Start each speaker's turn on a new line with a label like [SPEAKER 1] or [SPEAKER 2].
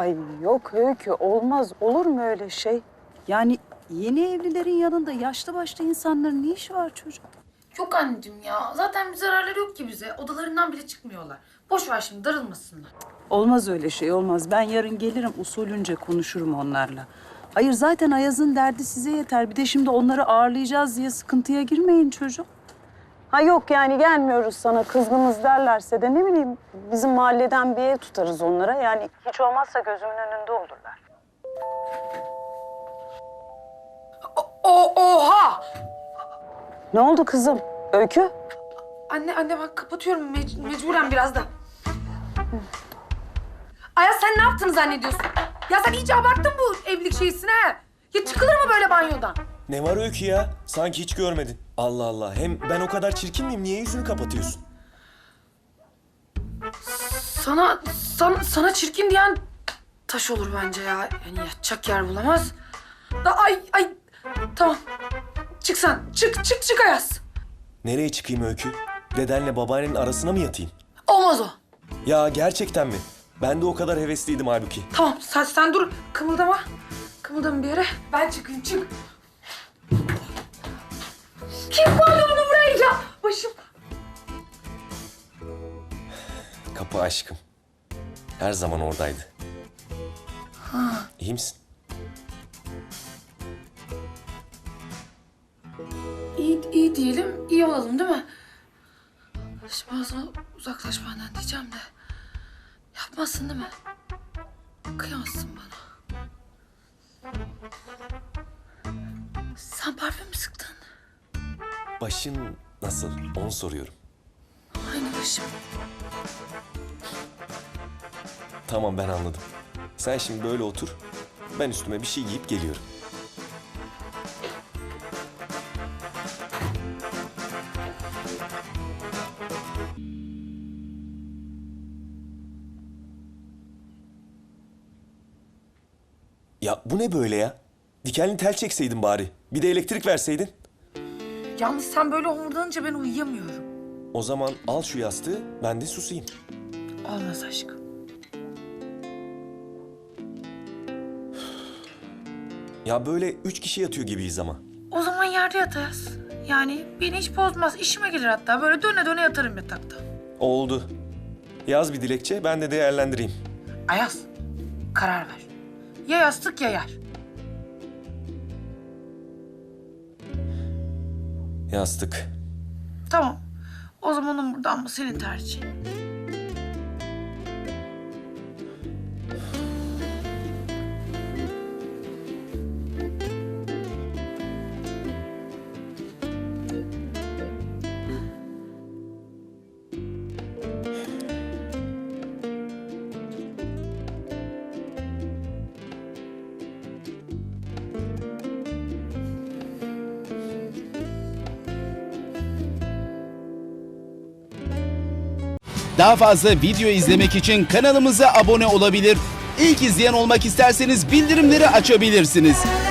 [SPEAKER 1] Ay yok Öykü, olmaz. Olur mu öyle şey? Yani yeni evlilerin yanında yaşlı başlı insanların ne işi var çocuk?
[SPEAKER 2] Yok anneciğim ya. Zaten bir zararları yok ki bize. Odalarından bile çıkmıyorlar. Boş ver şimdi, darılmasınlar.
[SPEAKER 1] Olmaz öyle şey, olmaz. Ben yarın gelirim, usulünce konuşurum onlarla. Hayır, zaten Ayaz'ın derdi size yeter. Bir de şimdi onları ağırlayacağız diye sıkıntıya girmeyin çocuk. Ha yok yani gelmiyoruz sana, kızgınız derlerse de ne bileyim bizim mahalleden bir ev tutarız onlara. Yani hiç olmazsa gözümün önünde olurlar.
[SPEAKER 2] Oha!
[SPEAKER 1] Ne oldu kızım? Öykü?
[SPEAKER 2] Anne ben kapatıyorum mecburen birazdan. Ayaz sen ne yaptığını zannediyorsun? Ya sen iyice abarttın bu evlilik şeysini ha. Ya çıkılır mı böyle banyodan?
[SPEAKER 3] Ne var Öykü ya? Sanki hiç görmedin. Allah Allah. Hem ben o kadar çirkin miyim? Niye yüzünü kapatıyorsun?
[SPEAKER 2] Sana çirkin diyen taş olur bence ya. Yani yatacak yer bulamaz. Ay tamam. Çık sen. Çık Ayaz.
[SPEAKER 3] Nereye çıkayım Öykü? Dedenle babaannenin arasına mı yatayım?
[SPEAKER 2] Olmaz o.
[SPEAKER 3] Ya gerçekten mi? Ben de o kadar hevesliydim halbuki.
[SPEAKER 2] Tamam sen dur. Kımıldama. Kımıldama bir yere. Ben çıkayım çık. Kim koydu bunu buraya ya? Başım.
[SPEAKER 3] Kapı aşkım. Her zaman oradaydı. İyi misin?
[SPEAKER 2] İyi diyelim, iyi olalım değil mi? Şimdi ben sana uzaklaş benden diyeceğim de. Yapmazsın değil mi? Kıyamazsın bana. Sen parfüm mü sıktın?
[SPEAKER 3] Başın nasıl? Onu soruyorum.
[SPEAKER 2] Aynı başım.
[SPEAKER 3] Tamam ben anladım. Sen şimdi böyle otur. Ben üstüme bir şey giyip geliyorum. Ya bu ne böyle ya? Dikenli tel çekseydin bari. Bir de elektrik verseydin.
[SPEAKER 2] Yalnız sen böyle homurdanınca ben uyuyamıyorum.
[SPEAKER 3] O zaman al şu yastığı, ben de susayım.
[SPEAKER 2] Olmaz aşkım.
[SPEAKER 3] Ya böyle 3 kişi yatıyor gibiyiz ama.
[SPEAKER 2] O zaman yerde yatarız. Yani beni hiç bozmaz. İşime gelir hatta. Böyle döne döne yatarım yatakta.
[SPEAKER 3] Oldu. Yaz bir dilekçe, ben de değerlendireyim.
[SPEAKER 2] Ayaz, karar ver. Ya yastık ya yer.
[SPEAKER 3] Yastık.
[SPEAKER 2] Tamam. O zaman umurdan mı senin tercihin?
[SPEAKER 4] Daha fazla video izlemek için kanalımıza abone olabilir. İlk izleyen olmak isterseniz bildirimleri açabilirsiniz.